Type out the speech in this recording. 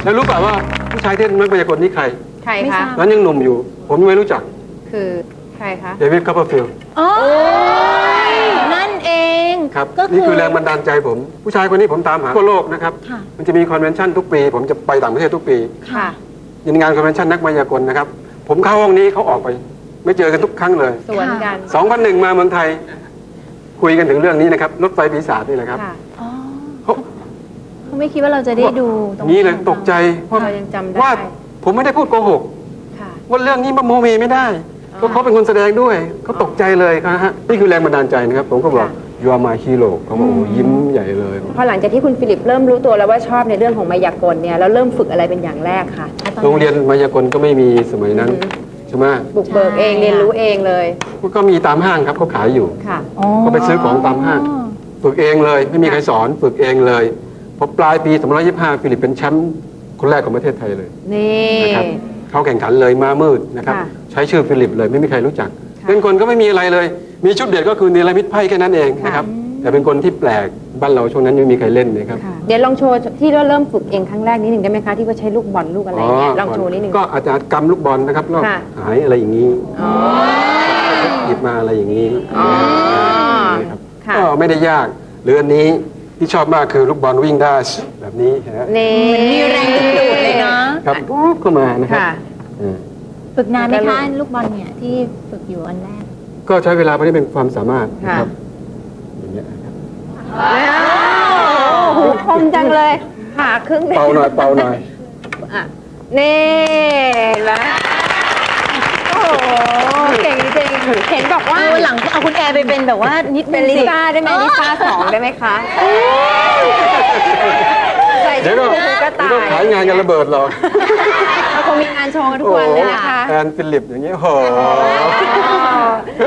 แล้วรู้ป่ะว่าผู้ชายที่นักมายากลนี่ใครใครคะนั้นยังหนุ่มอยู่ ผมยังไม่รู้จักคือใครคะเดวิด คัพเปอร์ฟิลด์อ๋อนั่นเองครับก็นี่คือแรงบันดาลใจผม ผู้ชายคนนี้ผมตามหาทั่วโลกนะครับค่ะมันจะมีคอนเวนชั่นทุกปี ผมจะไปต่างประเทศทุกปีค่ะยินงานคอนเวนชั่นนักมายากลนะครับ ผมเข้าห้องนี้เขาออกไป ไม่เจอกันทุกครั้งเลยสวนกัน 2001 มาเมืองไทย คุยกันถึงเรื่องนี้นะครับรถไฟปีศาจนี่แหละครับค่ะอ๋อเขาเขาไม่คิดว่าเราจะได้ดูตรงนี้เลยตกใจเพราะเรายังจำได้ว่าผมไม่ได้พูดโกหกค่ะว่าเรื่องนี้มาโมเมไม่ได้อ๋อเพราะเขาเป็นคนแสดงด้วยเขาตกใจเลยครับฮะนี่คือแรงบันดาลใจนะครับ ผมก็บอกค่ะ you are my hero เขาบอกโอ้ยิ้มใหญ่เลยพอหลังจากที่คุณฟิลิปเริ่มรู้ตัวแล้วว่าชอบในเรื่องของมายากลเนี่ยแล้วเริ่มฝึกอะไรเป็นอย่างแรกคะโรงเรียนมายากลก็ไม่มีสมัยนั้นใช่ไหมบุกเบิกเองเรียนรู้เองเลยก็มีตามห้างครับเขาขายอยู่ค่ะอ๋อก็ไปซื้อของตามห้าง ฝึกเองเลย ไม่มีใครสอนฝึกเองเลยพอปลายปี2525ฟิลิปเป็นแชมป์คนแรกของประเทศไทยเลยนี่นะครับเขาแข่งขันเลยมามืดนะครับค่ะใช้ชื่อฟิลิปเลยไม่มีใครรู้จักค่ะเป็นคนก็ไม่มีอะไรเลย มีชุดเด่นก็คือเนรมิตไพ่แค่นั้นเองนะครับแต่เป็นคนที่แปลกบ้านเราช่วงนั้นยังไม่มีใครเล่นนะครับค่ะเดี๋ยวลองโชว์ที่เราเริ่มฝึกเองครั้งแรกนิดหนึ่งได้ไหมคะที่ว่าใช้ลูกบอลลูกอะไรเงี้ยลองโชว์นิดหนึ่งก็อาจจะกำลูกบอลนะครับแล้วค่ะหายอะไรอย่างนี้อ๋อหยิบมาอะไรอย่างนี้อ๋อนะครับค่ะก็ไม่ได้ยากหรืออันนี้ที่ชอบมากคือลูกบอลวิ่งได้แบบนี้นะฮะนี่มีแรงดึงดูดเลยเนาะครับปุ๊บเข้ามานะครับค่ะอืมฝึกนานไหมคะลูกบอลเนี่ยที่ฝึกอยู่อันแรกก็ใช้เวลาไม่ได้เป็นความสามารถนะค่ะครับอย่างเงี้ยนะครับโอ้โหคมจังเลยผ่าครึ่งเป่าหน่อยเป่าหน่อยอ่ะนี่เห็นไหมโอ้โหเก่งจริงเห็นบอกว่าหลังเอาคุณแอร์ไปเป็นแบบว่านิดเป็นลิซ่าได้ไหมลิซ่า2ได้ไหมคะใส่เดี๋ยวชุก็ดกระเดี๋ยวต่าก็ขายยงานกันระเบิดหรอกเราคงมีงานโชว์กันทุกวันเลยนะคะแอนฟิลิปอย่างเงี้ยโห